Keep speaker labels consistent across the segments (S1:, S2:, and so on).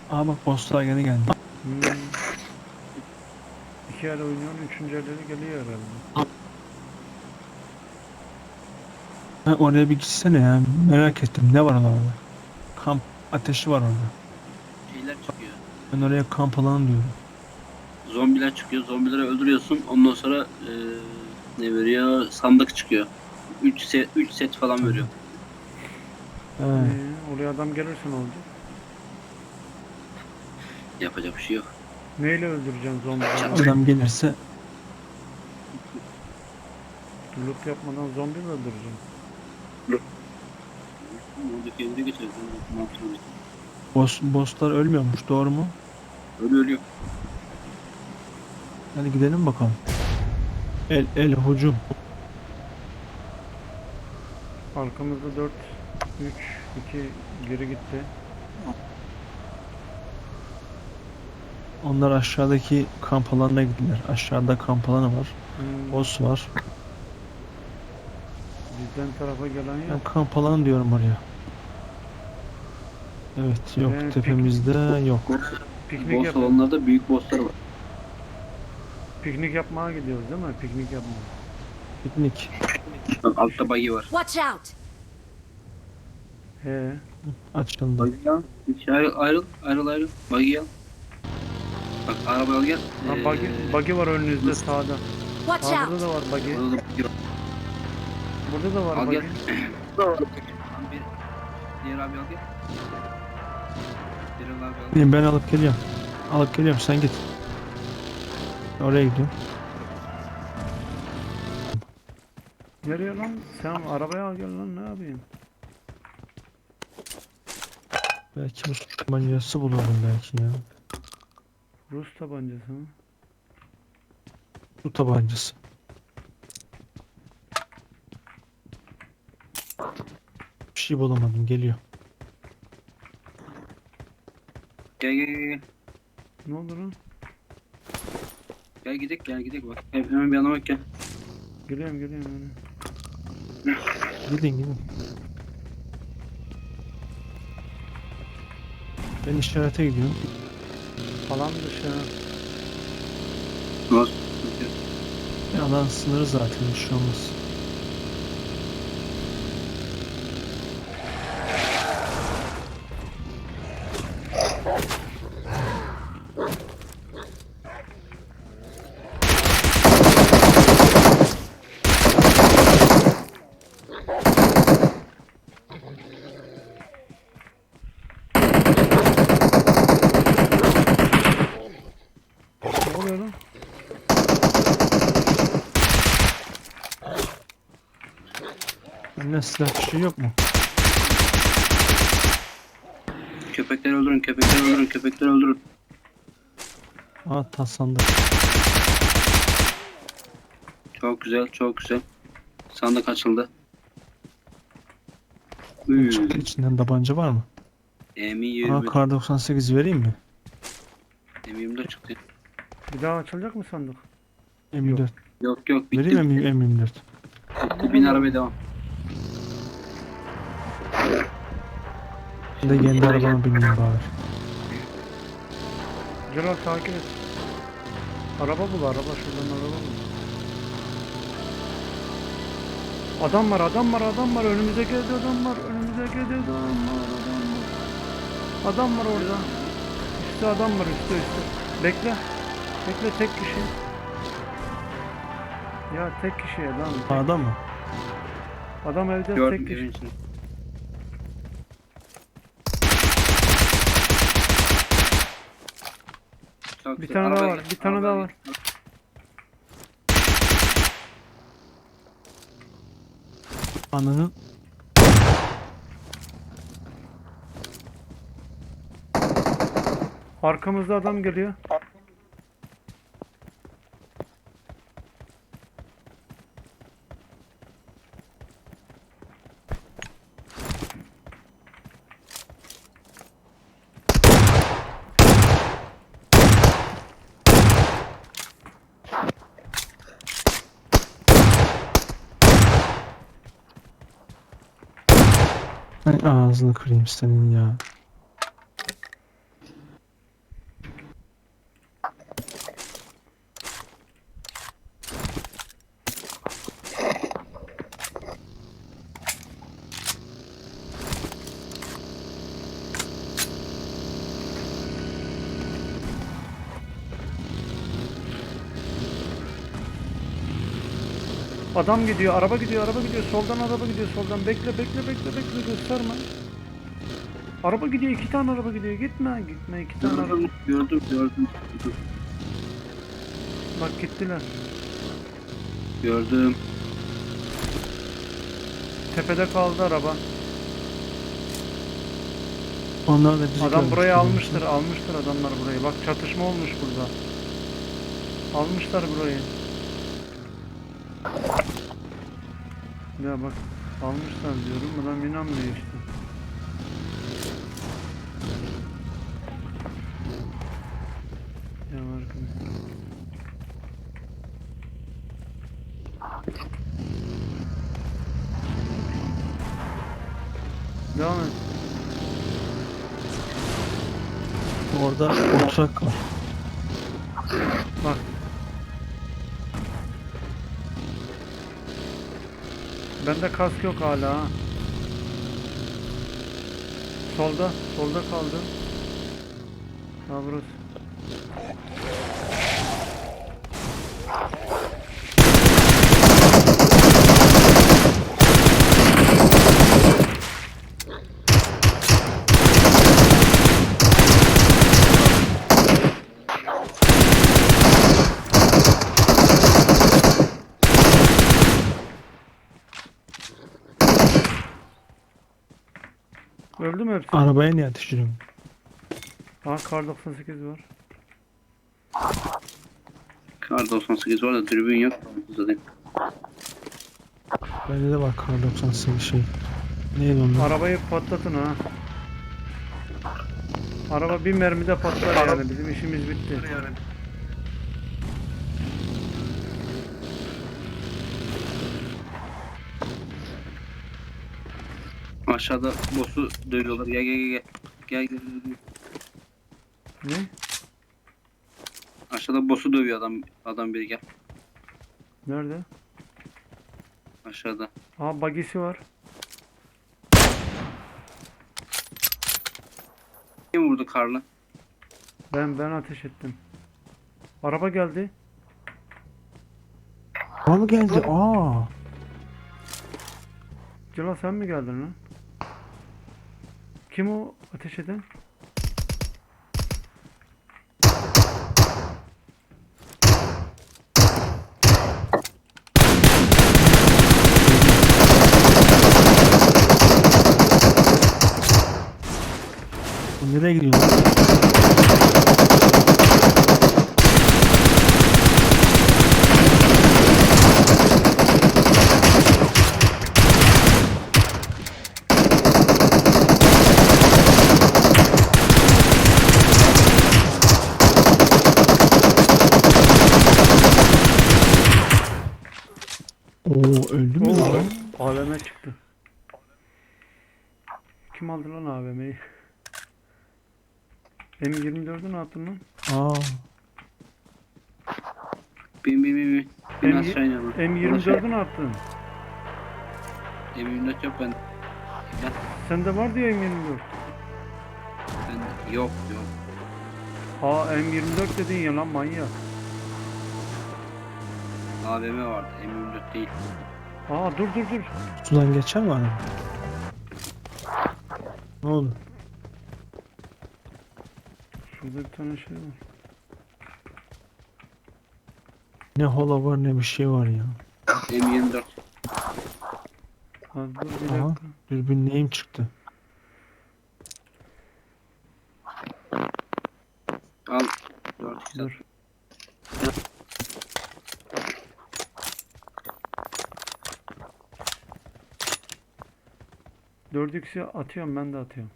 S1: Aa bak bosslar gene geldi.
S2: Hmm. İki el oynuyorsun, üçüncü elleri geliyor herhalde.
S1: Ha, oraya bir gitsene ya. Merak ettim. Ne var orada? Kamp ateşi var orada.
S3: Şeyler çıkıyor.
S1: Ben oraya kamp alanı diyorum.
S3: Zombiler çıkıyor. Zombileri öldürüyorsun. Ondan sonra ne veriyor? Sandık çıkıyor. 3 set falan veriyor.
S1: Sandım. He,
S2: Oraya adam gelirse ne olacak?
S3: Yapacak bir şey yok.
S2: Neyle öldüreceksin zombileri?
S1: adam gelirse
S2: Loot yapmadan zombi mi öldüreceksin?
S3: Oradaki evre geçeriz. Mantıklı.
S1: bosslar ölmüyormuş. Doğru mu?
S3: Ölüyor.
S1: Hadi gidelim bakalım. El hücum.
S2: Arkamızda 4, 3, 2 geri gitti.
S1: Onlar aşağıdaki kamp alanına gittiler. Aşağıda kamp alanı var. Boss var.
S2: Bizden tarafa gelen
S1: Ben
S2: yok.
S1: kamp alanı diyorum oraya. Evet yok tepemizde yok.
S2: Piknik
S3: Boss alanlarda büyük bosslar var.
S2: piknik yapmaya gidiyoruz değil mi? Piknik yapmaya.
S1: Piknik.
S3: Bak, altta buggy var.
S4: Watch out!
S2: He.
S1: Açıldı.
S3: Buggy al. Hiç ayrıl. Buggy al. Bak arabayı al gel.
S2: Ha, buggy var önünüzde
S3: nasıl?
S2: sağda.
S4: Watch
S2: Ha, burada
S4: out!
S2: da var buggy.
S3: Orada da buggy var.
S2: Burada da var
S3: Al
S2: buggy.
S3: gel. Tamam, diğer abi al gel. Diğer abi al gel.
S1: Ben alıp geliyorum. Alıp geliyorum sen git. Oraya gidiyorum.
S2: Nereye lan? Sen arabaya al gel lan, ne yapayım?
S1: Belki Rus tabancası bulurum belki ya.
S2: Rus tabancası mı?
S1: Su tabancası. Bir şey bulamadım geliyor.
S3: Gel.
S2: Ne oldu lan?
S3: Gel gidelim bak. Hemen bir yana bak gel.
S2: Geliyorum öyle.
S1: Gidin. Ben işarete gidiyorum.
S2: Falan dışı.
S3: Nasıl?
S1: Alan sınırı zaten bir şey olmaz.
S2: Ne oluyor lan?
S1: Bende silah bir şey yok mu?
S3: Köpekleri öldürün.
S1: Aa sandık.
S3: Çok güzel. Sandık açıldı.
S1: Çıktı içinden tabanca var mı? Aa
S3: M20.
S1: kar 98 vereyim mi?
S3: M24 çıktı.
S2: Bir daha açılacak mı sandık?
S1: M24.
S3: Yok bitti.
S1: Vereyim mi M24?
S3: Bitti. Bin arabaya devam.
S1: Ben de kendi arabama bineyim bari.
S2: Celal takip et. Araba bul, araba şuradan araba bul. Adam var, önümüze geldi adam var. Adam var orada. Üstte adam var, üstte. Bekle tek kişi. Ya tek kişi adam.
S1: Sağda mı?
S2: Adam evde
S3: Gördüm
S2: tek kişi.
S3: evin içinde. Çok
S2: Bir
S3: güzel.
S2: tane daha
S3: Arabaya
S2: var,
S3: gel,
S2: bir tane
S3: arabaya
S2: daha var.
S3: gel.
S1: Ananın
S2: Arkamızda adam geliyor.
S1: ay ağzını kırayım senin ya.
S2: Adam gidiyor, araba gidiyor, araba gidiyor. Soldan araba gidiyor, soldan. Bekle, gösterme. Araba gidiyor, 2 tane araba gidiyor. Gitme, 2 tane araba.
S3: Gördüm.
S2: Bak gittiler.
S3: Gördüm.
S2: Tepede kaldı araba.
S1: Onlar da bizi
S2: Adam
S1: görmüştür
S2: burayı
S1: belki.
S2: almıştır adamlar burayı. Bak çatışma olmuş burada. Almışlar burayı. Ya bak almışlar diyorum, adam inanmıyor işte. Ya arkadaş. Devam et.
S1: Orada uçak var.
S2: Bak. Bende kask yok hala ha. Solda kaldı. Ha burası. Öldü mü hepsi?
S1: Arabaya niye düşürüyorum?
S2: Ha kar 98 var.
S3: Kar 98 var da tribün yok. Zaten.
S1: Bende de var kar 98 şey. Neydi onlar?
S2: Arabayı patlatın ha. Araba bir mermide patlar yani, bizim işimiz bitti.
S3: Aşağıda boss'u dövüyorlar. Gel. Gel.
S2: Ne?
S3: Aşağıda boss'u dövüyor adam biri gel.
S2: Nerede?
S3: Aşağıda.
S2: Aa bagisi var.
S3: Kim vurdu karlı?
S2: Ben ateş ettim. Araba geldi.
S1: Araba geldi. Aa.
S2: Celal sen mi geldin lan? Kim o ateş eden?
S1: Bu nereye gidiyor lan? Oo, öldü mü lan?
S2: AVM çıktı. Kim aldı lan AVM'yi? M24'ü ne yaptın lan?
S1: Aa.
S3: Bin. Bin aşağı iniyorum.
S2: M24'ü ne yaptın?
S3: M24 yok ben. Gel.
S2: Sende var diye M24.
S3: Yok.
S2: Aa M24 dedin ya lan manyak.
S3: AVM vardı. M24 değil.
S2: Aa dur.
S1: Sudan geçer mi araba? Ne oldu?
S2: Şurada bir tane şey var.
S1: Ne hola var ne bir şey var ya.
S3: M24.
S2: Ha dur bir
S1: Aha.
S2: dakika.
S1: Dürbün neyim çıktı?
S3: Al. 4
S2: Dur. Dört x'i atıyorum, ben de atıyorum.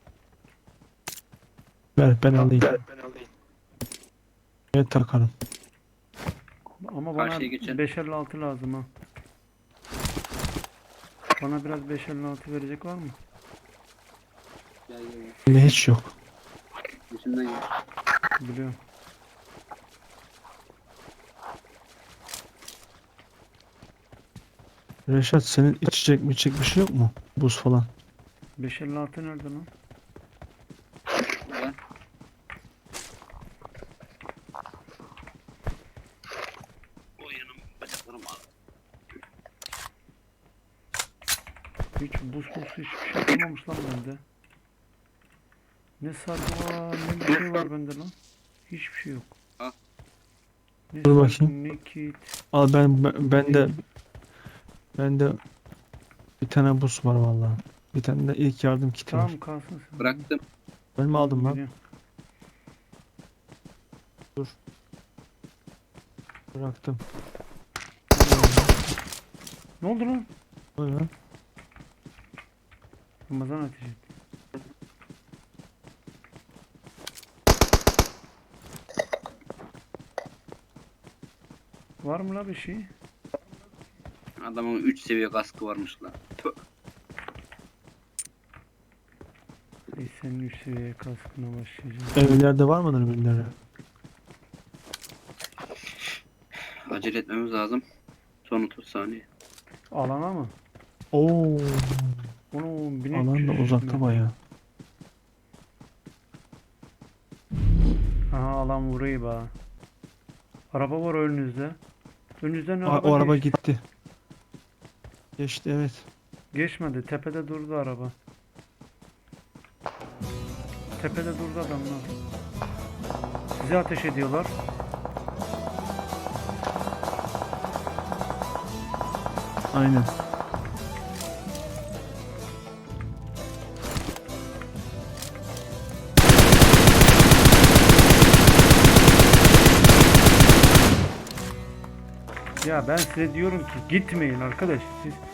S1: Ver ben alayım. Evet takarım.
S2: Ama bana
S3: Karşıya geçelim.
S2: 556 lazım ha. Bana biraz 556 verecek var mı?
S3: Gel.
S1: Bende hiç yok.
S3: İçimden gel.
S2: Biliyorum.
S1: Reşat senin içecek bir şey yok mu? Buz falan.
S2: 556 nerede lan?
S3: Gel. O yanım bacaklarım ağrıyor.
S2: Hiç buz hiçbir şey kalmamış lan bende. Ne sargı var ne bir şey var bende lan. Hiçbir şey yok.
S3: Al.
S2: Ne
S1: Dur
S2: sargı,
S1: bakayım.
S2: ne kit.
S1: Al ben de bir tane buz var vallahi. Bir tane de ilk yardım kiti var.
S2: Tamam kalsın sen.
S3: Bıraktım.
S1: Ben mi aldım lan?
S2: Gidiyorum.
S1: Bıraktım.
S2: Ne oldu lan?
S1: O ne lan?
S2: Ramazan ateş etti. Var mı la bir şey?
S3: Adamın 3 seviye kaskı varmış lan. Tüh.
S2: Ey senin üst seviye kaskına başlayacağım.
S1: Evlerde var mıdır birileri?
S3: Acele etmemiz lazım. Son 30 saniye.
S2: Alana mı?
S1: Oo,
S2: Onu 1300
S1: alan da uzakta
S2: metre.
S1: bayağı.
S2: Aha alan vuruyor be. Araba var önünüzde. Önünüzden
S1: O araba
S2: geçti.
S1: gitti. Geçti evet.
S2: Geçmedi. Tepede durdu araba. Tepede durdu adamlar. Size ateş ediyorlar.
S1: Aynen.
S2: Ya ben size diyorum ki gitmeyin arkadaş. Siz